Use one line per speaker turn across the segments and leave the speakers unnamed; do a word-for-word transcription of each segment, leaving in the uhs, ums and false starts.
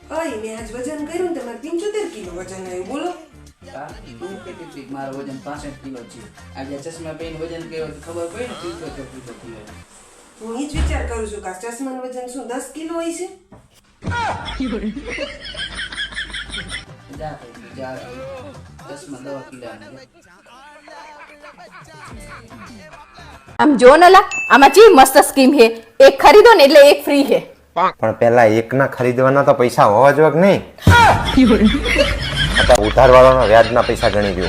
અય મેં આજ વજન કર્યું ને તમારે પંચોતેર કિલો વજન આવ્યું બોલો.
હા તું કહેતી હતી કે મારું વજન પાસઠ કિલો છે. આજે ચશ્મા પહેરીને વજન કર્યો તો ખબર પડી ને પંચોતેર કિલો કિલો.
હું એ જ વિચાર કરું છું કે આ ચશ્માનું વજન શું દસ કિલો હોય છે?
જા ભાઈ જા ચશ્મા દવા કિલાના છે.
આમ જો નલા આમાં ચી મસ્ત સ્કીમ હે, એક ખરીદો ને એટલે એક ફ્રી હે.
પણ પેલા એક ના ખરીદવાના તો પૈસા હોવા જોઈએ કે નહીં? અત્યારે ઉધાર વાળાના વ્યાજના પૈસા ગણી દો.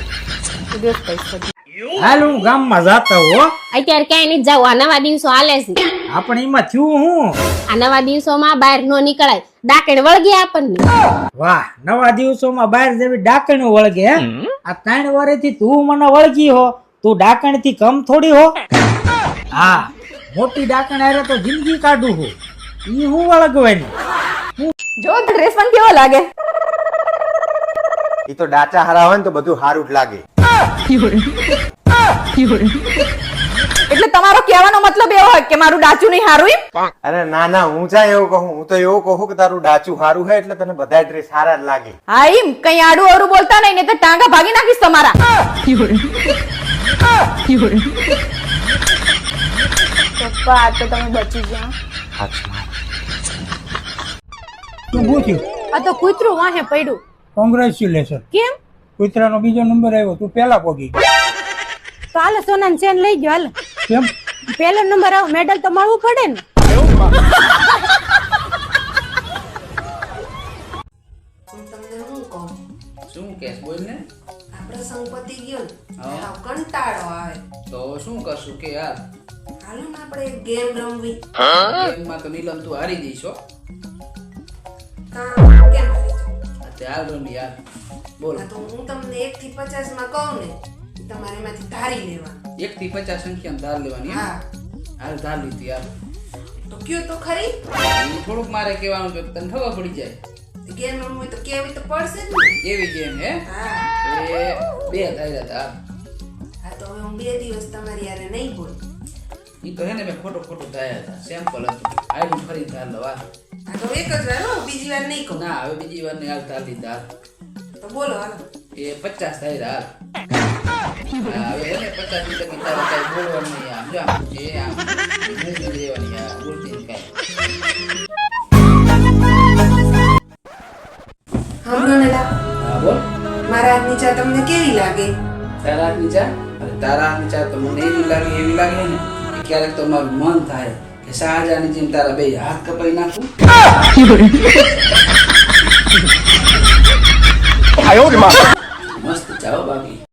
હાલ હું ગામમાં જાતો હો.
અત્યારે ક્યાંય નહીં જાવ, આ નવા દિવસો હાલે છે.
આપણે એમાં થયું હું
આ નવા દિવસોમાં બહાર નો નીકળાય, ડાકણ વળગે આપણને.
વાહ, નવા દિવસોમાં બહાર જેવી ડાકણ વળગે હે. આ ત્રણ વર્ષથી તું મને વળગી હો, તું ડાકણ થી કમ થોડી હો. હા, મોટી ડાકણ હારે તો જિંદગી કાઢું હું. ઈ હું વળગવાની.
જો ડ્રેસ પણ કેવો લાગે.
એ તો ડાચા હારા હોય ને તો બધું સારું જ લાગે.
એટલે તમારો કહેવાનો મતલબ એવો હોય કે મારું ડાચું નહીં હારું એમ?
અરે ના ના, હું ચા એવું કહું, હું તો એવું કહું કે તારું ડાચું સારું છે એટલે તને બધા ડ્રેસ સારા જ લાગે.
હા એમ કઈ આડું અવરું બોલતા નહીં, ને તો ટાંગા ભાગી નાખીશ તમારા. પપ્પા આ તો તમે બચી ગયા.
તું પૂછ્યું
આ તો કૂતરું વાહે પડ્યું.
કોંગ્રેચ્યુલેશન.
કેમ?
કૂતરાનો બીજો નંબર આવ્યો, તું પેલા પોગી.
તો હાલો સોનાન ચેન લઈ ગયો, હાલો.
કેમ?
પેલો નંબર આવો, મેડલ તો મળવું પડે ને.
હું તમને શું કહું,
શું કેસ બોલ ને.
આપણે સંપત્તિ ગયો ને
હા.
હાવ કંટાળો આવે.
તો શું કરશું કે યાર
હાલો ને આપણે એક ગેમ રમવી.
ગેમમાં તો નીલમ તું હારી જઈશ હો.
કામ કેમ હારી જાવ?
અત્યારે હાલ યાર બોલ.
હા, તો હું તમને એક થી પચાસ માં કહું ને તમારે એમાંથી ધારી લેવાનું.
એક થી પચાસ સંખ્યામાં ધાર લેવાની એમ?
હા
હાલ ધાર લીધી યાર.
તો કયો તો ખરી.
ઈ થોડુંક મારે કહેવાનું છે, તને ખબર પડી જાય.
ગેમ રમવી હોય તો કેવી તો પડશે જ ને.
એવી ગેમ હે
હા
એ બે ધાર્યા હતા.
હા તો હવે હું બે દિવસ તમારી યારે નહીં બોલું.
ઈ તો હે ને મેં ખોટું ખોટું ધાર્યા હતા, સેમ્પલ હતું. આયલું ફરી ધાર લવા.
હા તો એક જ વાર હો, બીજી વાર નહીં કહું.
ના હવે બીજી વાર ને હાલ ધાર લીધા.
તો બોલો હાલો.
એ પચાસ ધાર્યા હાલ. હા, હવે હે ને પચાસ લીધા કે તારે કાંઈ બોલવાનું નહીં. આમ જો આમ જે આમ મૂંગ જ રહેવાની આ બોલતી નહીં કાંઈ.
સાંભળો ને લા,
હા બોલ.
મારા હાથની ચા તમને કેવી લાગે?
તારા હાથની ચા? અરે તારા હાથની ચા તો મને એવી લાગે એવી લાગે ને કે ક્યારેક તો મારું મન થાય કે શાહજહાની જેમ તારા બે હાથ કપાઈ નાખું. મસ્ત ચા હો બાકી.